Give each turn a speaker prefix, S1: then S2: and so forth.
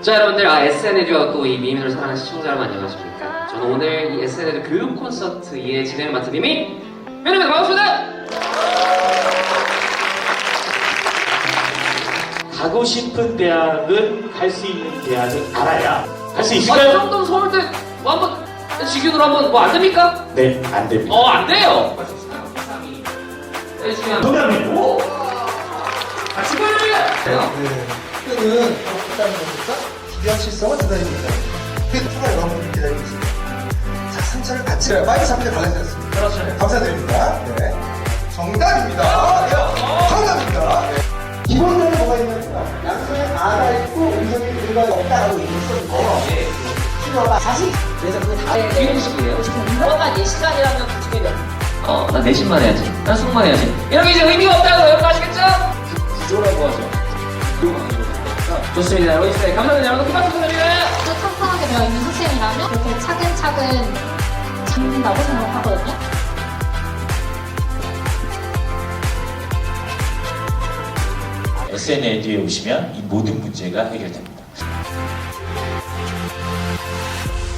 S1: 자 여러분들, SNL과 또 이 미민을 사랑하는 시청자 여러분 안녕하십니까? 저는 오늘 이 SNL 교육 콘서트의 진행을 맡은 이미 민입니다. 반갑습니다.
S2: 가고 싶은 대학은 갈 수 있는 대학은 알아야 갈 수
S1: 이
S2: 있을까요?
S1: 정도면 서울대 뭐 한번 직윤으로 한번 뭐 안 됩니까?
S2: 네, 안 됩니다.
S1: 안 돼요. 네, 지금
S2: 정답입니다.
S1: 오! 축하드립니다.
S3: 끈은 있다는 거니까 기대한 실성을 기다립니다. 그 추가 여러분을 기다리고 있습니다. 자, 상처를 같이 빨리 잡히게 달라지 않습니다.
S1: 그렇죠.
S3: 감사드립니다. 네. 정답입니다. 네. 정답입니다. 네. 기본적으로 뭐가 있냐면요. 양손에 아가 있고 음성이 의가 없다라고 얘기했었는데요. 필요가 자식.
S4: 그래서 그거 다
S1: 기용식이에요.
S4: 공부만 4시간이라면 그 중에
S1: 난 내신만 해야지. 난 수능만 해야지. 이렇게 이제 의미가 없다고 여러분 아시겠죠? 구조라고 하죠. 좋습니다. 여러분 있어요. 감사합니다. 여러분 큰 박수 부탁드립니다.
S5: 또 탄탄하게 되어 있는 시스템이라면 그렇게 차근차근 잡는다고 생각하거든요.
S2: SNL에 오시면 이 모든 문제가 해결됩니다.